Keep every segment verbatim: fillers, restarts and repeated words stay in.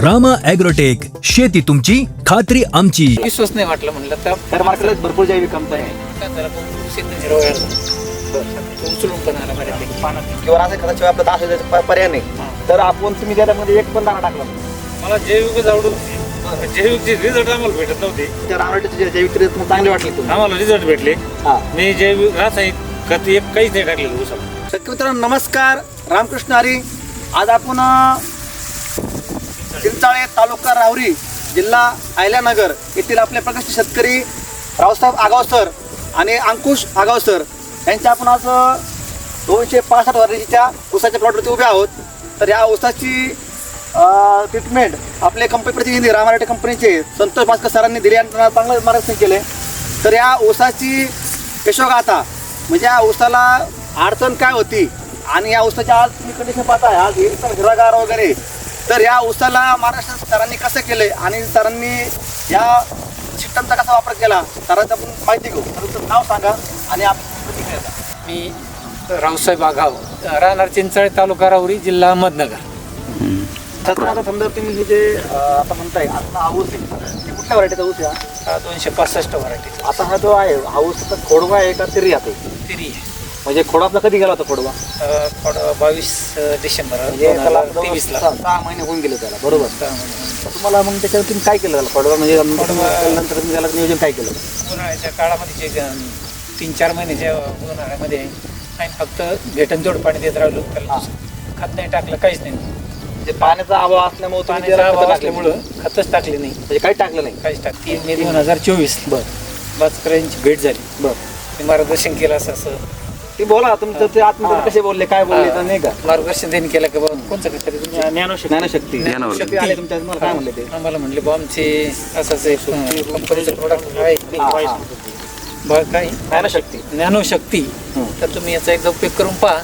Rama agrotech, शेती तुमची खात्री आमची. विश्वास नाही वाटलं म्हणलं तर तर मार्केटला भरपूर जैविक कंपनी आहे काय झालं बघू, सिद्ध हिरवळ तो उचलून पण आला बऱ्यापैकी पाण्यात. किंवा असं खताशिवाय आपलं दहा हजार पर्याय नाही तर आपण तुम्ही त्याच्यामध्ये एक पण दाणा टाकला मला जैविकच आवडून जैविकचे रिझल्ट आम्हाला भेटत नव्हते. त्या रामराटीचे जैविक तुम्हाला चांगले वाटले तुम्ही आम्हाला रिझल्ट भेटले. हा मी जैविक रासायनिक खत एक काहीच नाही टाकलेलं ऊसाला. शेतकरी मित्रांनो नमस्कार, रामकृष्ण हरी. आज आपण अ, चिंचाळे तालुका राहुरी जिल्हा अहिल्यानगर येथील आपले प्रगतशील शेतकरी रावसाहेब आगाव सर आणि अंकुश आगाव सर यांच्या आपण आज अ, दोनशे पासष्ट वर्षाच्या ऊसाच्या प्लॉटवरती उभे आहोत. तर या ऊसाची ट्रीटमेंट आपले कंपनी प्रतिनिधी रामाराटे कंपनीचे संतोष भास्कर सरांनी दिले आणि त्यांना चांगलं मार्गदर्शन केले. तर या ऊसाची यशोगाथा म्हणजे या ऊसाला अडचण काय होती आणि या ऊसाच्या आज तुम्ही कंडिशन पाहताय आज एकदम हिरवागार वगैरे. तर या ऊसाला महाराष्ट्र सरांनी कसं केलंय आणि सरांनी या सिस्टमचा कसा वापर केला सरांचं आपण माहिती घेऊ. तर नाव सांगा आणि आपण प्रतिक्रिया द्या. मी रावसाहेब आगाव, राहणार चिंचाळे तालुका राहुरी जिल्हा अहमदनगर. तर तुम्हाला समजा तुम्ही हे जे अं, आता म्हणताय आता हा ऊस आहे ते कुठल्या व्हरायटीचा ऊस आहे हा? हा दोनशे पासष्ट व्हरायटीचा आता हा जो आहे हा ऊस आता खोडवा आहे का तिरी आहे तिरी आहे. म्हणजे खोडवा आपला कधी गेला होता खोडवा अ, थोडं बावीस डिसेंबर म्हणजे दोन त्याला हजार तेवीसला सहा सहा महिने होऊन गेले त्याला बरोबर. सहा महिने. तर तुम्हाला मग त्याच्यावर तुम्ही काय केलं त्याला खोडवा म्हणजे नंतर तुम्ही त्याला नियोजन काय केलं? उन्हाळ्याच्या काळामध्ये जे ग- तीन चार महिने ज्या उन्हाळ्यामध्ये आम्ही फक्त भेटन जोड पाणी देत राहिलो. त्याला खत नाही टाकलं, काहीच नाही. म्हणजे पाण्याचा अभाव असल्यामुळे तुम्ही पाण्याचा त्याला अभाव खतं टाकली. असल्यामुळं खतच टाकले नाही, म्हणजे काही टाकलं नाही. काहीच टाक तीन मे दोन हजार चोवीस बरं बाचकरांची भेट झाली. बरं ते मार्गदर्शन केलं असं असं ती बोला तुमचं ते आत्महत्या कसे बोलले काय बोलले तर नाही का मार्गदर्शन त्यांनी केलं की बाबा कोणतं काहीतरी तुमची ज्ञानशक्ती ज्ञानशक्ती आले तुमच्या तुम्हाला काय म्हणले ते? आम्हाला म्हणले बा आमचे असंच एक कंपनीचं प्रोडक्ट आहे हा, हा. बा काय ज्ञानशक्ती ज्ञानशक्ती. हं. तर तुम्ही याचा एकदा उपयोग करून पहा.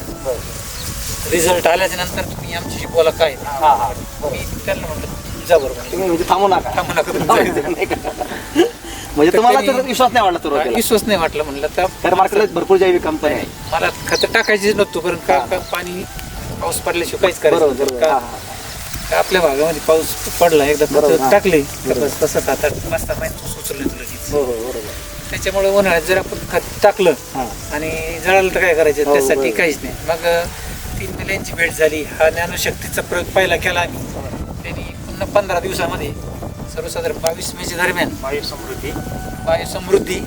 रिझल्ट आल्याच्या नंतर तुम्ही आमच्याशी बोला काय ते. हा हा मी त्यांना म्हटलं जा बरोबर तुम्ही म्हणजे थांबू नका थांबू नका तुम्ही. नाही का? म्हणजे तुम्हाला तर विश्वास नाही वाटला सुरुवातीला विश्वास नाही वाटलं म्हणलं तर तर मार्केटला भरपूर जैविक कंपनी आहे मला खत टाकायचीच नव्हतं कारण का का पाणी पाऊस पडल्याशिवाय काहीच करायचं बरोबर नव्हतं. बरोबर हा, का हा. का आपल्या भागामध्ये पाऊस पडला एकदा बरोबर, खत हा. टाकले तर बरोबर. बस तसं आता मस्त माहिती सुचलं तुला लगेच. हो हो बरोबर त्याच्यामुळे उन्हाळ्यात जर आपण खत टाकलं हा आणि जळालं तर काय करायचं हो, त्यासाठी बरोबर. काहीच नाही. मग तीन महिन्यांची भेट झाली. हा ज्ञानशक्तीचा प्रयोग पहिला केला आम्ही. त्यांनी पुन्हा पंधरा दिवसामध्ये सर्वसाधारण बावीस मेच्या दरम्यान वायू समृद्धी वायू समृद्धी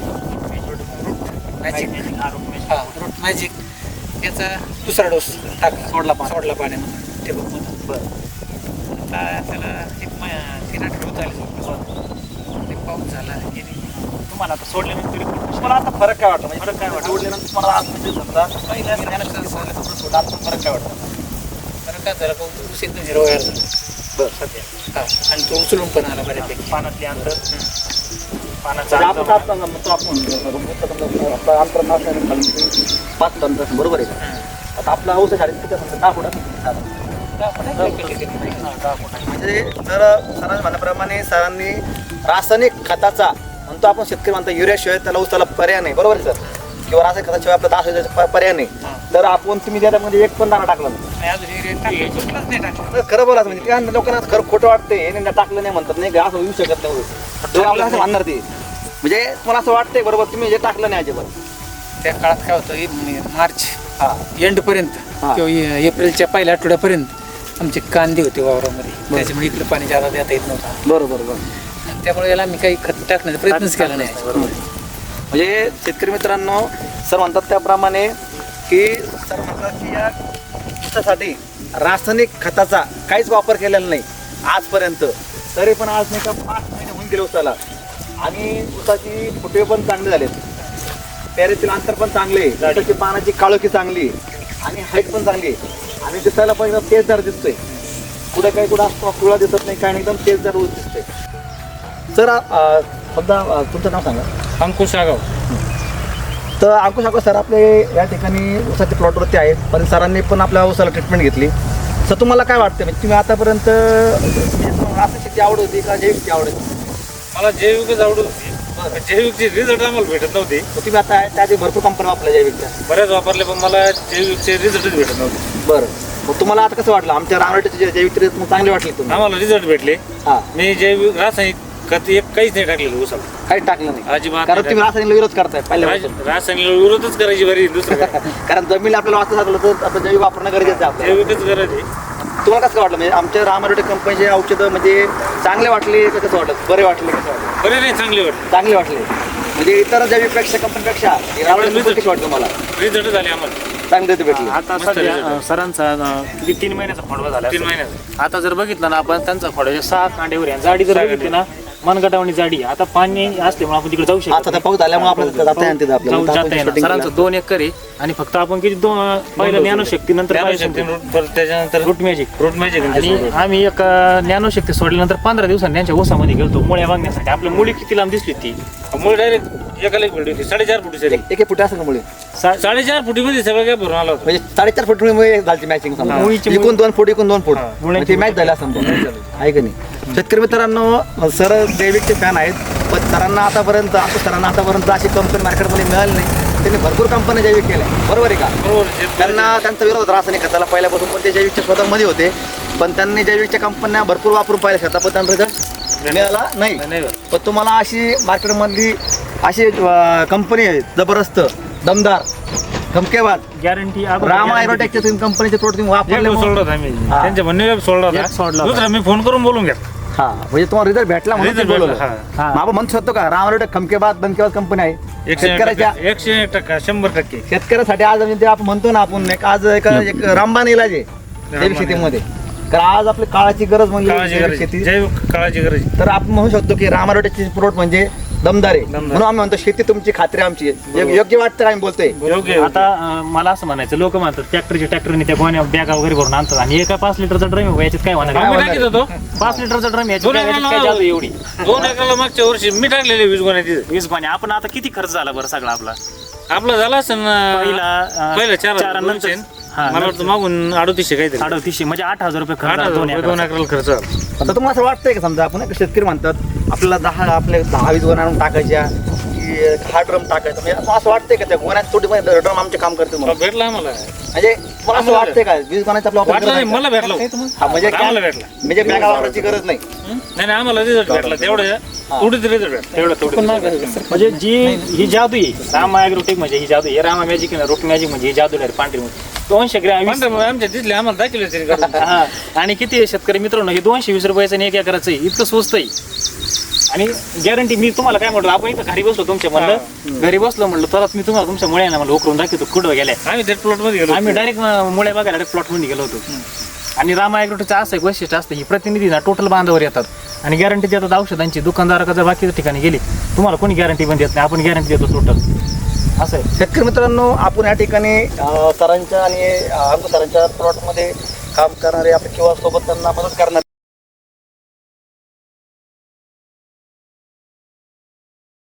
मॅजिक हा रूट मॅजिक याचा दुसरा डोस टाकला सोडला पाण्यात. सोडला पाण्यामध्ये ते बघ बरं आता त्याला एक म- तीन आठवडे होत आले. ते पाऊस झाला की नाही. तुम्हाला आता सोडल्यानंतर तुम्हाला आता फरक काय वाटतं म्हणजे फरक काय वाटतं? सोडल्यानंतर तुम्हाला आज म्हणजे समजा पहिल्या ज्ञानशक्ती सोडलं, दुसरं सोडलं, आता फरक काय वाटतं? तर काय झालं का ऊस एकदम हिरवगार झाला. बरं सध्या हा आणि तो उचलून पण आला बऱ्यापैकी. पानातले अंतर पानाचा म्हणजे आपण अंतर आपण म्हणतो आपण समजा आपलं अंतर नसल्याने खाली पाच टन असं बरोबर आहे का? आता आपला औषध शाळेत किती असतं दहा फुटात म्हणजे जर सरांनी म्हणल्याप्रमाणे सरांनी रासायनिक खताचा म्हणतो आपण शेतकरी म्हणतो युरियाशिवाय त्याला ऊसाला पर्याय नाही बरोबर आहे सर किंवा रासायनिक खताशिवाय आपला दहा हजार पर्याय नाही. तर आपण तुम्ही त्याच्यामध्ये एक पण दाणा टाकला नाही. नाही, अजून हे टाकलं, सुटलंच नाही टाकलं. तर खरं बोलायचं म्हणजे त्या लोकांना खरं खोटं वाटतंय हे नाही टाकलं नाही म्हणतात नाही का असं येऊ शकत नाही. तर आपल्याला असं म्हणणार ते म्हणजे तुम्हाला असं वाटतंय बरोबर तुम्ही जे टाकलं नाही अजिबात. त्या काळात काय होतं हे मार्च हा एंडपर्यंत हा. किंवा ए- एप्रिलच्या पहिल्या आठवड्यापर्यंत आमचे कांदे होते वावरामध्ये. त्याच्यामुळे इकडे पाणी जादा देता येत नव्हतं. बरोबर बरोबर आणि त्यामुळे याला मी काही खत टाकण्याचा प्रयत्नच केला नाही. बरोबर म्हणजे शेतकरी मित्रांनो सर म्हणतात त्याप्रमाणे की सर म्हणतात की या ऊसासाठी रासायनिक खताचा काहीच वापर केलेला नाही आजपर्यंत. तरी पण आज नाही का पाच महिने होऊन गेले ऊसाला आणि ऊसाची फुटे पण चांगले झालेत, पेरेतील अंतर पण चांगले, ऊसाची पानाची काळोखी चांगली आणि हाईट पण चांगली आणि दिसायला पण एकदम तेजदार दिसतोय. कुठे काही कुठं असतो कुळा दिसत नाही काय नाही एकदम तेजदार ऊस दिसतोय. सर अं, समजा अं, तुमचं नाव सांगा. अंकुश आगाव. तर अंकुश आगाव सर आपले या ठिकाणी ऊसाच्या प्लॉटवरती आहेत पण सरांनी पण आपल्या ऊसाला ट्रीटमेंट घेतली. सर तुम्हाला काय वाटतं म्हणजे तुम्ही आतापर्यंत रासायनिक शेती आवड होती का जैविक शेती आवड होती? मला जैविकच आवडत होती. जैविकचे रिझल्ट आम्हाला भेटत नव्हते. तुम्ही आता त्याआधी भरपूर कंपनी वापरल्या जैविकच्या. बऱ्याच वापरले पण मला जैविकचे रिझल्टच भेटत नव्हते. बरं, मग तुम्हाला आता कसं वाटलं आमच्या रामराटेचे जैविक रिझल्ट मग चांगले वाटले तुम्ही? आम्हाला रिझल्ट भेटले. हा, मी जैविक रासायनिक खत एक काहीच नाही टाकलेलं उसाला, काहीच टाकलं नाही अजिबात कारण नाही तुम्ही रासायनिक विरोध करताय पहिल्यापासून. राज- रासायनिक विरोधच करायची बरी दुसरं काय. कारण जमीन आपल्याला वाचत लागलं तर आपण जैविक वापरणं गरजेचं आहे आपल्याला. जैविकच गरज आहे. तुम्हाला कसं वाटलं म्हणजे आमच्या रामराटे कंपनीचे औषधं म्हणजे चांगले वाटले का कसं वाटलं? बरे वाटले कसं वाटलं? बरे नाही, चांगले वाटले. चांगले वाटले म्हणजे इतर जैविकपेक्षा कंपनीपेक्षा रामराटे कशी वाटलं मला? रिझल्ट झाले आम्हाला चांगले ते भेटले. आता मस्त सध्या result अं, सरांचा अं, किती तीन महिन्याचा खोडवा झाला तीन असेल. महिन्याचा. आता जर बघितलं ना आपण त्यांचा खोडवा सहा कांड्यावर आहे. जाडी जर सहा बघितली ना मनगटावणी जाडी. आता पाणी असल्यामुळे आपण तिकडे जाऊ आता शकतो त्या पाऊस आल्यामुळे आपल्याला जाता येणार तिथं आपल्याला. जाऊ जाता येणार. सरांचं दोन एकर आहे आणि फक्त आपण किती दोन पहिलं ज्ञानशक्ती नंतर ज्ञानशक्ती रूट, परत त्याच्यानंतर रूट मॅजिक रूट मॅजिक आणि आम्ही एक अं, ज्ञानशक्ती सोडल्यानंतर पंधरा दिवसांनी त्यांच्या ओसामध्ये गेलतो मुळ्या वागण्यासाठी. आपल्या मुली किती लांब दिसली ती मुळे डायरेक्ट एकाला एक भेटली होती साडेचार फुटी सरी. एक एक फुट असं का मुळे सा- साडेचार फुटीमध्ये सगळं काय भरून आला होता. म्हणजे साडेचार फूट मुळे झाली मॅचिंग समजा. मुळीची मुळी- इकून दोन फूट इकून दोन फूट हा. म्हणजे ती मॅच झाली असं समजा. आहे का नाही? शेतकरी मित्रांनो, सर जैविकचे फॅन आहेत पण सरांना आतापर्यंत आता सरांना आतापर्यंत अशी कंपनी मार्केटमध्ये मिळाली नाही. त्यांनी भरपूर कंपन्या जैविक केल्या, बरोबर आहे का? बरोबर आहे. त्यांना त्यांचा विरोध रासायनिक खताला पहिल्यापासून पण ते जैविकच्या शोधामध्ये होते पण त्यांनी जैविकच्या कंपन्या भरपूर वापरून पाहिल्या शेतात पण त्यांना रिझल्ट मिळाला नाही. नाही पण तुम्हाला अशी मार्केटमधली अशी कंपनी आहे जबरदस्त दमदार धमकेबाज गॅरंटी रामा ॲग्रोटेकच्या तुम्ही कंपनीचे प्रोडक्ट तुम्ही वापरले एक म्हणून- सोडला होता आम्ही हा. त्यांच्या म्हणणे सोडला एक सोडला होता. होता. दुसरा मी फोन करून बोलून घ्या. हा म्हणजे तुम्हाला रिझल्ट भेटला म्हणून Result ते बोलवलं. भेटला, हा. हा. मग आपण म्हणू शकतो का राम ॲग्रोटेक खमकेबाज धमकेबाज कंपनी आहे एकशे एक शेतकऱ्याच्या टक्का एकशे एक टक्का शंभर टक्के शेतकऱ्यासाठी आज म्हणजे ते आपण म्हणतो ना आपण एक आज एक एक रामबाण इलाज आहे जैविक शेतीमध्ये. कारण आज आपली काळाची गरज म्हणजे काळाची जैविक गरज शेती. जैविक काळाची गरज आहे. तर आपण म्हणू शकतो की राम ॲग्रोटेकचे प्रोडक्ट म्हणजे दमदार आहे म्हणून आम्ही म्हणतो शेती तुमची खात्री आमची आहे. यो- योग्य वाटतं आम्ही बोलतोय. योग्य आहे. आता अं, मला असं म्हणायचं लोक म्हणतात ट्रॅक्टरच्या ट्रॅक्टरने त्या गोण्या बॅगा वगैरे भरून आणतात आणि एका पाच लिटरचा ड्रम आहे याच्यात काय होणार आम्ही आहे? टाकीत होतो पाच लिटरचा ड्रम याच्यात दोन काय याच्यात काय एकराला जादू एवढी दोन एकराला मागच्या वर्षी मी टाकलेले वीस गोण्या तिथे. वीस गोण्या. आपण आता किती खर्च झाला बरं सगळा आपला? आपला झाला असेल पहिला ना अं, पहिला चार चार हजार नंतर- दोनशे. हा, मला वाटतं मागून अडतीसशे काहीतरी अडतीसशे म्हणजे आठ हजार रुपये आठ खर्च हजार झाला दोन रुपये दोन एकराचा. एकराला खर्च आला. आता तुम्हाला असं वाटतंय का समजा आपण एक शेतकरी म्हणतात आपल्याला दहा आपले दहा वीस गोण्या आणून टाकायच्या की हा ड्रम टाकायचा म्हणजे असं वाटतंय का त्या गोण्यात थोडी ड्रम आमचे काम करते म्हणून भेटला आम्हाला. म्हणजे तुम्हाला असं वाटतंय का वीस गोण्याचा आपला वापर वाटलं नाही, करायचा? मला भेटला. हा, म्हणजे काय- आम्हाला भेटला. म्हणजे बॅगा वापरायची गरज नाही. नाही नाही आम्हाला रिझल्ट भेटला तेवढं थोडीच रिझल्ट भेटला तेवढं थोडं म्हणजे जी ही जादू आहे रामा ॲग्रोटेक म्हणजे ही जादू आहे. रामा मॅजिक आहे रूट मॅजिक म्हणजे ही जादू आहे पांढरी मध्ये दोनशे ग्रॅम वीस- पांढरे आमच्या दिसले आम्हाला दाखवले तरी करून. हा. आणि किती आहे शेतकरी मित्रांनो हे दोनशे वीस रुपयाचं आणि एक एकराचं आहे. इतकं स्वस्त आहे आणि गॅरंटी मी तुम्हाला काय म्हटलं आपण इथं घरी बसलो तुमच्या म्हणलं घरी बसलो म्हणलं तरच मी तुम्हाला तुमच्या मुळ्यानं म्हणलं उकरून दाखवतो कुठं गेल्या. आम्ही त्या प्लॉट मध्ये गेलो. आम्ही डायरेक्ट मुळे बघायला डायरेक्ट प्लॉट मध्ये गेलो होतो. आणि रामा ॲग्रोटेकचं असं एक वैशिष्ट्य असतं ही प्रतिनिधी ना टोटल बांधावर येतात आणि गॅरंटी देतात औषधांची. दुकानदाराकडे जर बाकीच्या ठिकाणी गेली तुम्हाला कोणी गॅरंटी पण देत नाही, आपण गॅरंटी देतो टोटल असं आहे. शेतकरी मित्रांनो आपण या ठिकाणी अं, सरांच्या आणि अं, अंकुश सरांच्या प्लॉटमध्ये काम करणारे आपले किंवा सोबत त्यांना मदत करणारे